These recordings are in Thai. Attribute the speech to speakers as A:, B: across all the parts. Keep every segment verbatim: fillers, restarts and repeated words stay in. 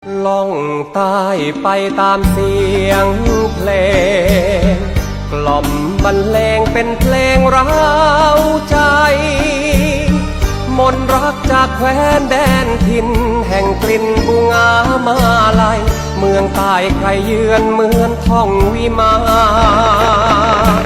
A: ล่องใต้ไปตามเสียงเพลงกล่อมบรรเลงเป็นเพลงร้าวใจมนต์รักจากแคว้นแดนถิ่นแห่งกลิ่นบุงามาลัยเมืองใต้ใครเยือนเหมือนท่องวิมาน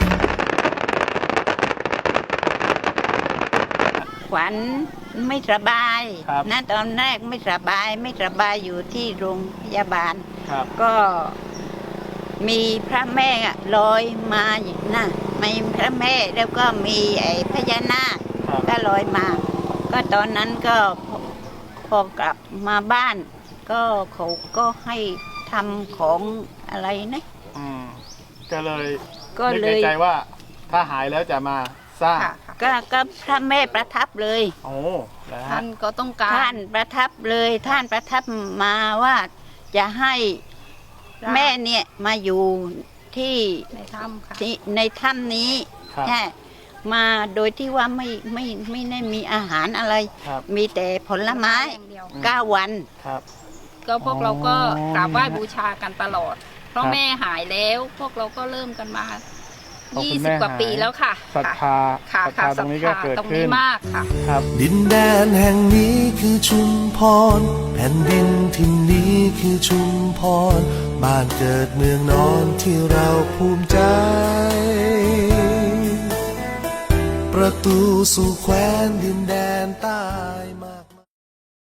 B: ขวัญไม่สบาย
C: นะ
B: ตอนแรกไม่สบายไม่สบายอยู่ที่โรงพยาบาลก็มีพระแม่ลอยมาอย่างน่ะมีพระแม่แล้วก็มีไอ้พญานาคก็ลอยมาก็ตอนนั้นก็พอกลับมาบ้านก็เขาก็ให้ทำของอะไรนะ
C: ก็เลย
B: ก็เลย
C: ใจว่าถ้าหายแล้วจะมาสร้าง
B: ก็ก็พระแม่ประทับเลย
C: โอ้
D: ท่านก็ต้องการ
B: ท่านประทับเลยท่านประทับมาว่าจะให้แม่เนี่ยมาอยู่ที่
D: ในถ้ำค่ะ
B: ที่ในถ้ำนี้แค่มาโดยที่ว่าไม่ไม่ไม่ได้มีอาหารอะไรมีแต่ผลไม้เก้าวัน
D: ก็พวกเราก็กราบไหว้บูชากันตลอดเพราะแม่หายแล้วพวกเราก็เริ่มกันมายี่สิบกว่าปีแล้วค่ะ
C: ศรัทธา
D: ค่ะค่ะตรงนี้ก็เกิดขึ้นมากค่ะ
E: ดินแดนแห่งนี้คือชุมพรแผ่นดินที่นี้คือชุมพรบ้านเกิดเมืองนอนที่เราภูมิใจประตูสู่แคว้นดินแดน